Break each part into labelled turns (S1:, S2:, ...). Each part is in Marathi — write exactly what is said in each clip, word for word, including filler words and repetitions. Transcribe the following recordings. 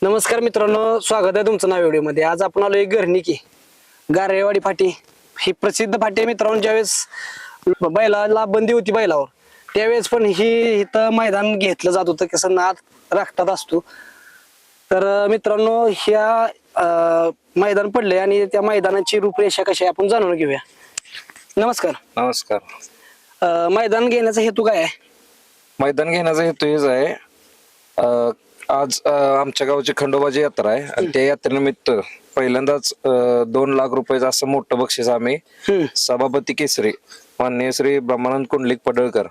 S1: नमस्कार मित्रांनो, स्वागत आहे तुमचं नाव व्हिडिओमध्ये। आज आपण आलोय घरणिकी गारेवाडी फाटी। ही प्रसिद्ध फाटी आहे मित्रांनो। ज्यावेळेस बैलाला बंदी होती बैलावर त्यावेळेस पण ही इथं मैदान घेतलं जात होतं, कसं नाद राखतात असतो। तर मित्रांनो ह्या मैदान पडले आणि त्या मैदानाची रूपरेषा कशी आहे आपण जाणून घेऊया। नमस्कार।
S2: नमस्कार।
S1: मैदान घेण्याचा हेतू काय आहे?
S2: मैदान घेण्याचा हेतू हेच आहे, आज आमच्या गावची खंडोबाची यात्रा आहे आणि त्या यात्रेनिमित्त पहिल्यांदाच दोन लाख रुपयाचं असं मोठं बक्षीस आम्ही सभापती केसरी माननीय श्री ब्रह्मानंद कुंडलिक पडळकर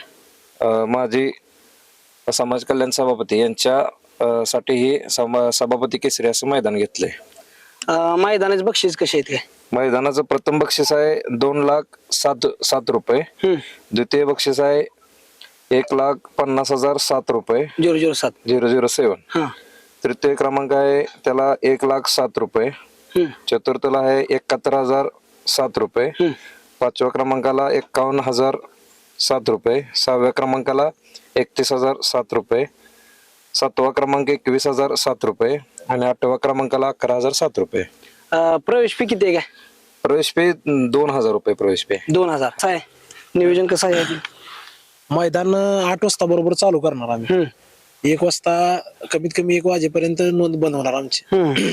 S2: माजी समाज कल्याण सभापती यांच्या साठी हे सभापती केसरी असं मैदान घेतलंय।
S1: मैदानाचे बक्षीस कसे आहेत?
S2: मैदानाचं प्रथम बक्षीस आहे दोन लाख सात सात रुपये, द्वितीय बक्षीस आहे एक लाख पन्नास हजार सात रुपये
S1: झिरो झिरो सात
S2: झिरो झिरो सेवन, तृतीय क्रमांक आहे त्याला एक लाख सात रुपये, चतुर्थला आहे एकाहत्तर हजार सात रुपये, पाचव्या क्रमांकाला एक्कावन्न हजार सात रुपये, सहाव्या क्रमांकाला एकतीस हजार सात रुपये, सातवा क्रमांक एकवीस हजार सात रुपये आणि आठव्या क्रमांकाला अकरा हजार सात रुपये।
S1: प्रवेश फी किती आहे? काय
S2: प्रवेश फी दोन हजार रुपये प्रवेश फी
S1: दोन हजार आहे। नियोजन कसं आहे?
S3: मैदान आठ वाजता बरोबर चालू करणार आम्ही, एक वाजता कमीत कमी एक वाजेपर्यंत नोंद बनवणार आमची।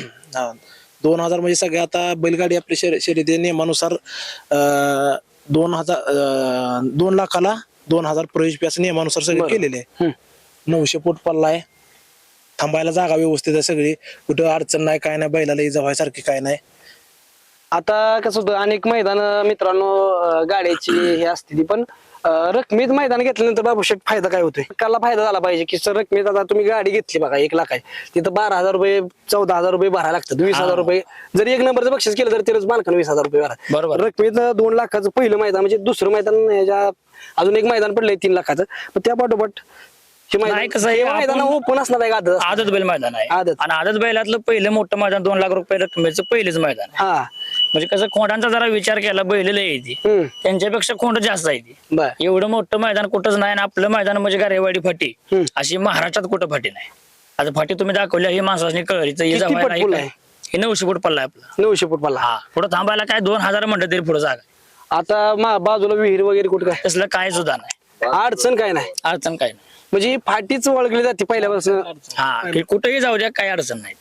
S3: दोन हजार म्हणजे सगळे आता बैलगाडी आपली शर्यती नियमानुसार दोन हजार दोन लाखाला दोन हजार प्रवेश फी असं नियमानुसार सगळे केलेले आहे। नऊशे फूट पल्ला आहे, थांबायला जागा व्यवस्थित आहे, सगळी कुठं अडचण नाही, काय नाही, बैलाला जवायसारखी काय नाही।
S1: आता कसं होतं अनेक मैदान मित्रांनो गाड्याची हे असते ती, पण रकमेत मैदान घेतल्यानंतर बाबूशेठ फायदा काय होतोय? काला फायदा झाला पाहिजे की सर रकमेत आता तुम्ही गाडी घेतली बघा एक लाख आहे तिथं बारा हजार रुपये चौदा हजार रुपये भरायला लागतात, वीस हजार रुपये जरी एक नंबरचं बक्षीस केलं तर तेच मालकानं वीस हजार रुपये भरा।
S3: बरोबर।
S1: रकमेत दोन लाखाचं पहिलं मैदान म्हणजे दुसरं मैदान ह्याच्या अजून एक मैदान पडलंय तीन लाखाचं, पण त्या पाठोपाठ मैदान ओपन असणार आहे। आदत
S4: आदत बैल मैदान आहे
S1: आदत
S4: आणि आदत बैलातलं पहिलं मोठं मैदान दोन लाख रुपये रकमेचं पहिलेच मैदान आहे।
S1: हा
S4: म्हणजे कसं खोंडांचा जरा विचार केला बैल येते त्यांच्यापेक्षा खोंड जास्त आहे,
S1: बर
S4: एवढं मोठं मैदान कुठंच नाही आणि आपलं मैदान म्हणजे गारेवाडी फाटी अशी महाराष्ट्रात कुठं फाटी नाही। आता फाटी तुम्ही दाखवली ही माणसाने कळरीचं हे नऊशे फूट पल्ला आहे आपला,
S1: नऊशे फूट पल्ला।
S4: हा पुढे थांबायला काय दोन हजार म्हणलं तरी पुढे जागा।
S1: आता बाजूला विहीर वगैरे कुठं काय
S4: तसलं काय सुद्धा नाही,
S1: अडचण काय नाही,
S4: अडचण काय नाही,
S1: म्हणजे फाटीच ओळखली जाते पहिल्यापासून।
S4: हा की कुठेही जाऊ द्या काही अडचण नाही।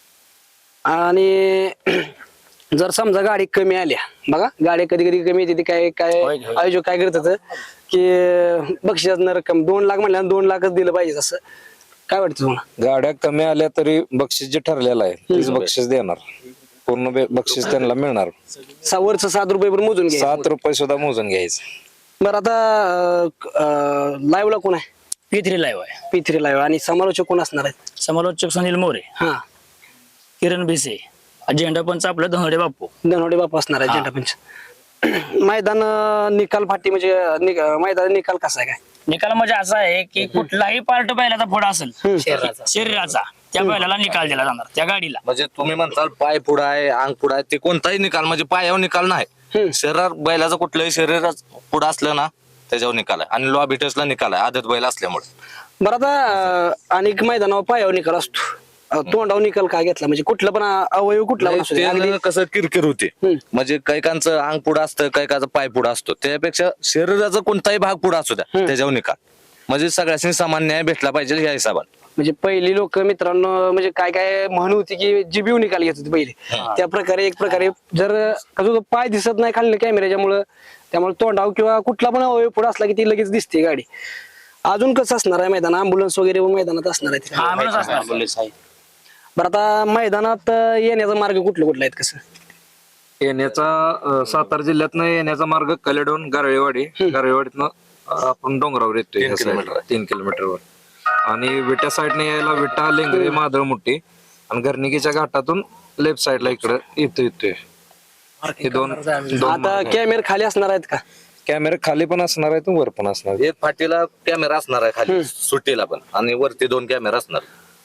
S1: आणि जर समजा गाडी कमी आल्या बघा, गाडी कधी कधी कमी येते, काय काय आयोजक काय करतात की बक्षिसाचं रक्कम दोन लाख म्हणल्या दोन लाखच दिलं पाहिजे, असं काय वाटतं तुम्हाला?
S2: गाड्या कमी आल्या तरी बक्षीस जे ठरलेलं आहे तेच बक्षीस देणार, पूर्ण बक्षीस त्यांना मिळणार।
S1: वरचं सात रुपये पण मोजून घ्या,
S2: सात रुपये सुद्धा मोजून घ्यायचं।
S1: बरं आता लाईव्हला कोण आहे?
S4: पी थ्री लाईव्ह आहे,
S1: पी थ्री लाईव्ह। आणि समालोचक कोण असणार आहेत?
S4: समालोचक सुनील मोरे,
S1: हा
S4: किरण भिसे, झेंडा पंच आपलं धनवडे बापू
S1: धनवडे बापू असणार आहे झेंडा पंच। मैदान निकाल फाटी म्हणजे मैदान निकाल कसा आहे? काय
S4: निकाल म्हणजे असा आहे की कुठलाही पार्ट बैलाचा पुढा असेल शरीराचा त्या बैलाला निकाल दिला जाणार त्या गाडीला।
S5: म्हणजे तुम्ही म्हणताल पाय पुढा आहे अंग पुढा आहे, ते कोणताही निकाल म्हणजे पायावर निकाल नाही, शरीर बैलाचं कुठलंही शरीर पुढं असलं ना त्याच्यावर निकाल आहे आणि लॉ बिटर्सला निकाल आहे आदत बैल असल्यामुळे।
S1: बरं आता अनेक मैदानावर पायावर निकाल असतो, तोंडावर निकाल का घेतला? म्हणजे कुठला पण अवयव कुठला पण असू दे, अगदी
S5: कसं किरकिर होते, म्हणजे कैकांचं अंग पुढं असतं कैकाचं पाय पुढं असतो, त्यापेक्षा शरीराचा कोणताही भाग पुढं असू द्या त्याच्यावर निकाल, म्हणजे सगळ्यांनी समान न्याय भेटला पाहिजे या हिशोबाने।
S1: म्हणजे पहिली लोक मित्रांनो म्हणजे काय काय म्हण होती की जिबीव निकाल घेत होते पहिले, त्या प्रकारे एक प्रकारे जर कसं पाय दिसत नाही खाली कॅमेऱ्याच्या मुळे, त्यामुळे तोंडाव किंवा कुठला पण अवयव पुढे असला की ती लगेच दिसते गाडी। अजून कसं असणार आहे मैदान? अँब्युलन्स वगैरे मैदानात असणार आहे? बरं आता मैदानात येण्याचा मार्ग कुठलं कुठला आहेत? कसं
S2: येण्याचा सातारा जिल्ह्यातनं येण्याचा मार्ग कलेडोन गारळेवाडी, गारळेवाडीतनं आपण डोंगरावर येतोय तीन किलोमीटरवर, आणि विट्या साईडने यायला विटा लेंगरे मादळमुट्टी आणि घरणिकीच्या घाटातून लेफ्ट साईडला इकडे येतो येतोय हे दोन।
S1: आता कॅमेरे खाली असणार आहेत का?
S2: कॅमेरे खाली पण असणार आहेत वर पण असणार।
S5: एक फाटीला कॅमेरा असणार आहे खाली सुट्टीला पण आणि वरती दोन कॅमेरा असणार।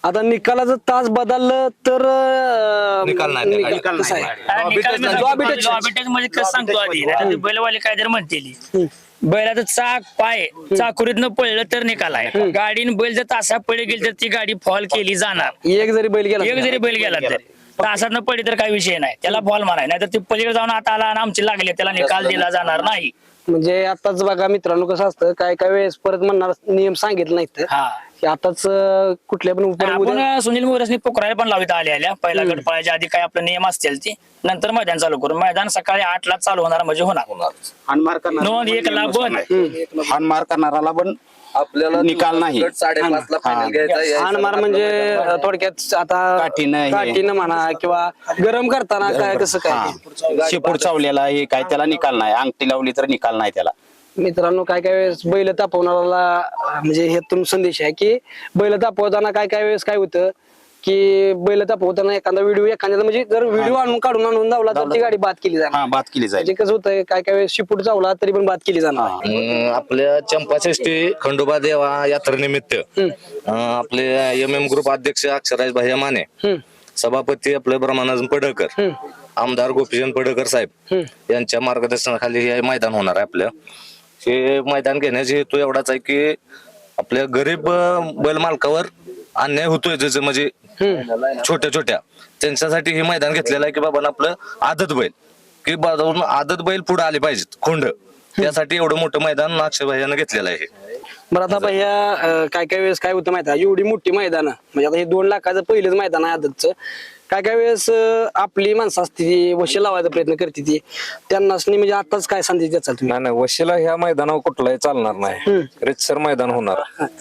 S1: आता निकालाचं तास बदललं तर अं,
S5: निकाल नाही, निकाल
S1: निकाल कसं आहे?
S4: हा, निकाल म्हणजे
S1: Lobby touch.
S4: lobby touch म्हणजे कसं सांगतो आधी आता ते बैलवाले काय तर म्हणतील बैलाचं चाक पाय चाकुरीतनं पळलं तर निकाल आहे गाडीने बैल जर तासा पळी गेली तर ती गाडी फॉल केली जाणार.
S1: एक जरी बैल गेला
S4: एक जरी बैल गेला तरी तासात पडली तर काही विषय नाही त्याला फॉल माराय नाही तर ते पलीकडे जाऊन आता आला आणि आमची लागली त्याला निकाल दिला जाणार नाही.
S1: म्हणजे आताच बघा मित्रांनो कसं असतं काय काय वेळेस परत म्हणणार नियम सांगितलं नाहीत
S4: हा
S1: की आताच अं, कुठल्या पण उपर उद्या-
S4: आपण सुनील मोरेसनी पोखरायला पण लावित आले आल्या पहिला गट पळायच्या आधी काय आपले नियम असतील ते नंतर मैदान चालू करू मैदान सकाळी आठ ला चालू होणार म्हणजे होणार
S6: हानमार करणारा
S4: नोंद एक ला बंद
S6: हानमार करणाराला पण
S5: आपल्याला
S6: निकाल नाही.
S5: गट साडेपाच ला फायनल घ्यायचा आहे.
S1: हाण मार म्हणजे अं, थोडक्यात आता
S6: काठीनं हे.
S1: काठीनं म्हणा किंवा गरम करताना काय कसं काय
S6: शेपूट चावलेला हे काय त्याला निकाल नाही अंगठी लावली तर निकाल नाही त्याला.
S1: मित्रांनो काय काय वेळेस बैल तापवणाऱ्याला अं, म्हणजे ह्यातून संदेश आहे की बैल तापवताना काय काय वेळेस काय होतं की बैल तापवताना एखादा व्हिडिओ एखाद्याचा म्हणजे जर व्हिडिओ आणून काढून आणून धावला तर ती गाडी बाद केली जाणार.
S6: हा बात केली जाईल.
S1: म्हणजे कसं होतं काय काय वेळेस शिपूट चावला तरी पण बाद केली जाणार.
S5: अं, आपल्या चंपाषष्ठी खंडोबा देवा यात्रेनिमित्त अं, आपले एम एम ग्रुप अध्यक्ष अक्षराज भाई माने
S1: हम्म.
S5: सभापती आपले ब्रह्मानंद पडळकर आमदार गोपीचंद पडळकर साहेब यांच्या मार्गदर्शनाखाली हे मैदान होणार आहे. आपलं हे मैदान घेण्याचा हेतू एवढाच आहे की आपल्या गरीब अं, बैल मालकावर अन्याय होतोय जसं म्हणजे छोट्या छोट्या त्यांच्यासाठी हे मैदान घेतलेलं आहे की बाबा आपलं आदत बैल की बाजारून आदत बैल पुढे आले पाहिजेत खोंड त्यासाठी एवढं मोठं मैदान अक्षय भाईयानं घेतलेलं आहे.
S1: बरं आता भैया अं, काय काय वेळेस काय होतं माहिती आहे एवढी मोठी मैदान म्हणजे आता हे दोन लाखाचं पहिलेच मैदान आहे आदतचं काय काय वेळेस अं, आपली माणसं असते ती वशी लावायचा प्रयत्न करते ती त्यांना म्हणजे आताच काय संदेश द्याल तुम्ही?
S2: नाही नाही वशिला ह्या मैदानावर कुठलाही चालणार नाही रितसर मैदान होणार.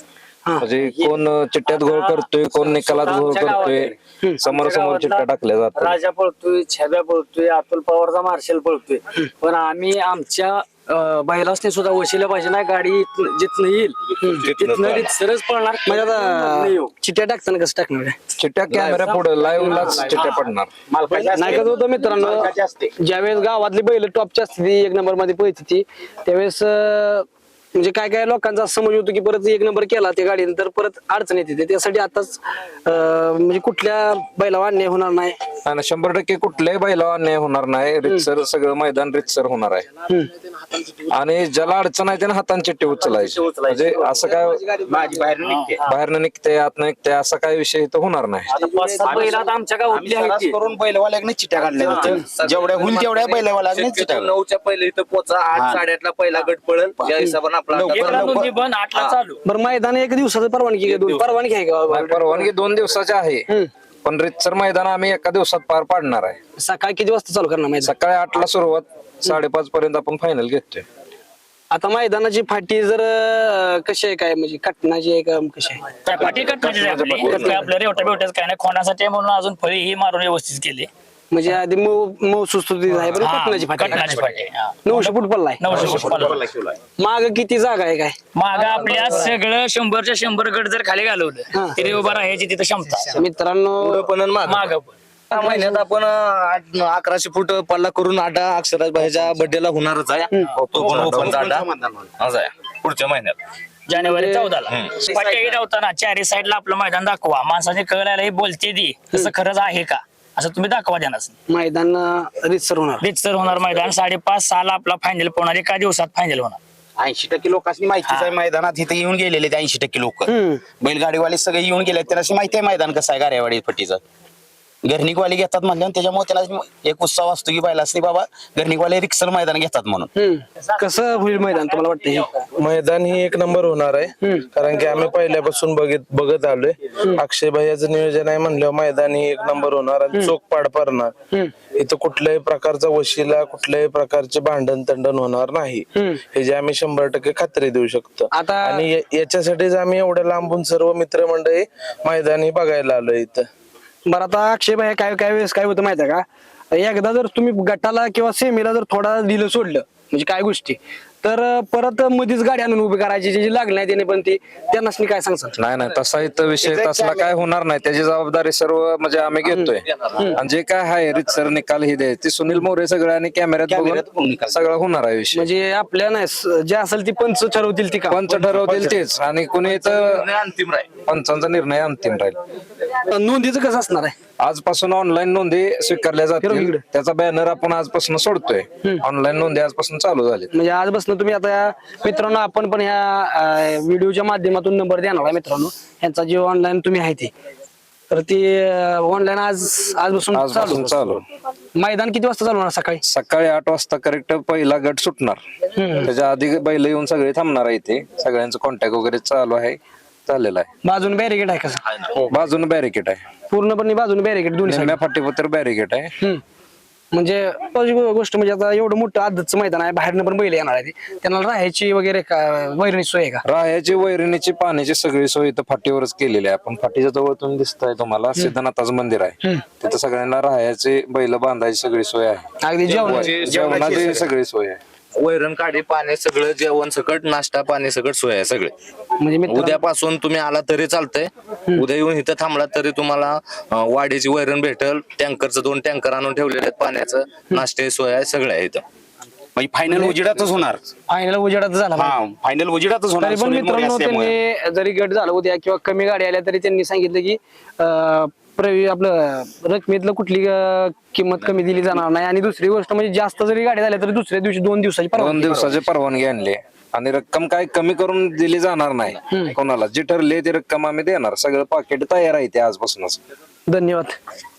S2: म्हणजे कोण चिट्ट्यात गोळ करतोय कोण निकालात गोळ करतोय समोर समोर चिट्ट्या टाकल्या जातात.
S7: राजा पळतोय छब्या पळतोय अतुल पवारचा मार्शल पळतोय पण आम्ही आमच्या बैलासने सुद्धा वशिला पाहिजे नाही गाडी इथनं- जिथनं येईल तिथनं सरच पळणार
S1: म्हणजे आता चिट्ट्या टाकताना कसं टाकणार आहे?
S2: चिट्ट्या कॅमेरा पुढे लाईव्ह लाच चिट्ट्या पडणार.
S1: नाही कसं होतं मित्रांनो ज्यावेळेस गावातली बैल टॉपची असते ती एक नंबर मध्ये पळते ती त्यावेळेस अं, म्हणजे काय काय लोकांचा असं समज होतो की परत एक नंबर केला त्या गाडीने तर परत अडचण येते ते. त्यासाठी आताच अं, म्हणजे कुठल्या बैलावर अन्याय होणार नाही.
S2: आणि शंभर टक्के कुठल्याही बैलावर अन्याय होणार नाही रितसर सगळं मैदान रितसर होणार आहे. आणि ज्याला अडचण आहे त्याने हातांची चिट्टी उचलायची म्हणजे असं काय
S6: माझी बाहेर निघते.
S2: बाहेरनं निघते आतनं निघते असा काही विषय इथं होणार नाही.
S7: आता पाच सहा बैल आता आमच्या गावातली आहेत
S6: सरास
S7: ती.
S6: करून बैलवाल्याने चिट्ट्या काढल्या जातात. जेवढ्या होईल तेवढ्या बैलवाल्याने चिट्ट्या
S5: शक्यतो नऊच्या पहिले इथं पोचा आठ साडेआठ ला पहिला गट पळेल त्या हिशोबाने आपला
S4: एक ला नोंदी बंद आठ ला चालू
S1: बरं मैदान एक दिवसाचं परवानगी आहे, दोन परवानगी आहे का?
S2: नाही, परवानगी दोन दिवसाची आहे पण रितसर मैदान आम्ही एका दिवसात पार पाडणार आहे.
S1: सकाळी किती वाजता चालू करणार मैदान?
S2: सकाळी आठ ला सुरुवात साडेपाच पर्यंत आपण फायनल घेतोय.
S1: आता मैदानाची फाटी जर अं, कशी आहे काय म्हणजे कटनाची आहे का कशी आहे?
S4: त्या पाठी कटण्याची आपली काय आपलं रेवट्या बिवट्याच काय नाही खोण्यासाठी म्हणून अजून फळी ही मारून व्यवस्थित केली
S1: म्हणजे आधी मऊ मऊ सुस्तुतीत आहे बरं
S4: हा,
S1: कटनाची फाटी
S4: कटण्याची फाटी हा.
S1: नऊशे फूट पल्ला आहे.
S4: नऊशे फूट पल्ला.
S1: माग किती जागा आहे काय?
S4: माग आपल्या सगळं शंभरच्या शंभर गट जर खाली घालवलं तरी उभा राहायची तिथं क्षमता
S1: मित्रांनो
S5: पण आणि मागं.
S4: माग
S5: या महिन्यात आपण आठ अकराशे फूट पल्ला करून आटा अक्षराज भाईच्या बर्थडेला होणारच आहे तो पण ओपनचा आटा असं आहे पुढच्या महिन्यात
S4: जानेवारी चौदाला फाटी धावताना चारी साईडला आपलं मैदान दाखवा माणसाने कळायला ही बोलते दी तसं खरंच आहे का असं तुम्ही दाखवा देणार
S1: मैदान रितसर होणार.
S4: रितसर होणार मैदान साडेपाच सहाला आपला फायनल होणार एका दिवसात फायनल होणार.
S6: ऐंशी टक्के लोकांनी माहितीच आहे मैदानात इथे येऊन गेलेले ते ऐंशी टक्के लोक बैलगाडीवाले सगळे येऊन गेले त्यांना माहिती आहे मैदान कसं आहे गारेवाडी पट्टीचं. घरनिकवाले घेतात म्हणल्यावर त्याच्यामुळे त्यांना एक उत्साह असतो की बैल असते बाबा घरनिकवाले रिक्सर मैदान घेतात म्हणून.
S1: हम्म. कसं होईल मैदान तुम्हाला वाटतं हे?
S8: मैदान ही एक नंबर होणार आहे कारण की आम्ही पहिल्यापासून बघित बघत आलोय. अक्षय भैयाचं नियोजन आहे म्हणल्यावर मैदान ही एक नंबर होणार आणि चोख पाड पडणार. इथं कुठल्याही प्रकारचा वशिला कुठल्याही प्रकारचे भांडण तंडण होणार नाही हे जे आम्ही शंभर टक्के खात्री देऊ शकतो.
S1: आता
S8: आणि या- याच्यासाठीच आम्ही एवढ्या लांबून सर्व मित्रमंडळी मैदान ही बघायला आलोय इथं.
S1: बरं आता अक्षय भाई काय काय वेळेस काय होतं माहिती आहे का एकदा जर तुम्ही गटाला किंवा सेमीला जर थोडा दिलं सोडलं म्हणजे काय गोष्टी तर अं, परत मध्येच गाडी आणून उभी करायची जी लागली नाही त्याने पण ती त्यांना काय सांगतात?
S2: नाही नाही तसा इथं विषय तसला काय होणार नाही. त्याची जबाबदारी सर्व म्हणजे आम्ही घेतोय आणि जे काय आहे रितसर निकाल ही द्यायची ती सुनील मोरे सगळं आणि कॅमेऱ्यात बघून सगळं होणार आहे विषय.
S1: म्हणजे आपल्या नाही स- जे असेल ती पंच ठरवतील ती का
S2: पंच ठरवतील तेच आणि कुणी इथं
S5: अंतिम राहील.
S2: पंचांचा निर्णय अंतिम राहील.
S1: नोंदीचं कसं असणार आहे?
S2: आजपासून ऑनलाईन नोंदी स्वीकारल्या जातील.
S1: इकडे.
S2: त्याचा बॅनर आपण आजपासून सोडतोय. ऑनलाईन नोंदी आजपासून चालू झाली.
S1: म्हणजे आजपासून तुम्ही आता मित्रांनो आपण पण ह्या व्हिडिओच्या माध्यमातून नंबर देणार आहे मित्रांनो यांचा जे ऑनलाईन तुम्ही आहे ती तर ती ऑनलाईन आज आजपासून
S2: आजपासून
S1: चालू.
S2: चालू.
S1: मैदान किती वाजता चालू होणार सकाळी?
S2: सकाळी आठ वाजता करेक्ट पहिला गट सुटणार. त्याच्या आधी बैल येऊन सगळे थांबणार आहे इथे. सगळ्यांचं कॉन्टॅक्ट वगैरे चालू आहे झालेला आहे.
S1: बाजून बॅरिकेड आहे कसं?
S2: बाजूने बॅरिकेड आहे.
S1: पूर्णपणे बाजूने बॅरिकेड दोन्ही
S2: निम्म्या फाटीपत्र बॅरिकेड आहे.
S1: हम्म. म्हणजे पहिली गोष्ट म्हणजे आता एवढं मोठं आदतचं मैदान आहे बाहेरनं पण बैल येणार आहे ते. त्यांना राहायची वगैरे का वैरणी सोय आहे का?
S2: राहायची वैरणीची पाण्याची सगळी सोय इथं फाटीवरच केलेली आहे. आपण फाटीच्या जवळ तुम्ही दिसताय तुम्हाला सिद्धनाथाचं मंदिर आहे. तिथं सगळ्यांना राहायची बैल बांधायची सगळी सोय आहे.
S1: अगदी जेवण
S2: जेवणाची सगळी सोय आहे.
S5: वैरण काढी पाणी सगळं जेवण सकट नाश्ता पाणी सकट सोय आहे सगळे.
S1: म्हणजे मित्र
S5: उद्यापासून तुम्ही आला तरी चालतंय. उद्या येऊन इथं थांबला तरी तुम्हाला अं, वाडीची वैरण भेटल. टँकरचं दोन टँकर आणून ठेवलेले आहेत पाण्याचं. नाश्ते सोय आहे सगळं आहे इथं.
S6: म्हणजे फायनल उजेडातच होणार.
S1: फायनल उजेडात झाला
S6: हा फायनल उजेडातच होणार.
S1: तरी पण
S6: सुनील मोरे
S1: मित्रांनो
S6: असल्यामुळे.
S1: त्यांनी जरी गट झाला उद्या किंवा कमी गाडी आल्या तरी त्यांनी सांगितलं की अं, प्रवी आपलं रकमेतलं कुठली अं, किंमत कमी दिली जाणार नाही आणि दुसरी गोष्ट म्हणजे जास्त जरी गाडी झाल्या तरी दुसऱ्या दिवशी दोन दिवसाची
S2: दोन
S1: परवानगी.
S2: दिवसाची परवानगी आणली आणि रक्कम काय कमी करून दिली जाणार नाही कोणाला. जी ठरली ती रक्कम आम्ही देणार. सगळं पाकिट तयार आहे ते आजपासूनच.
S1: धन्यवाद.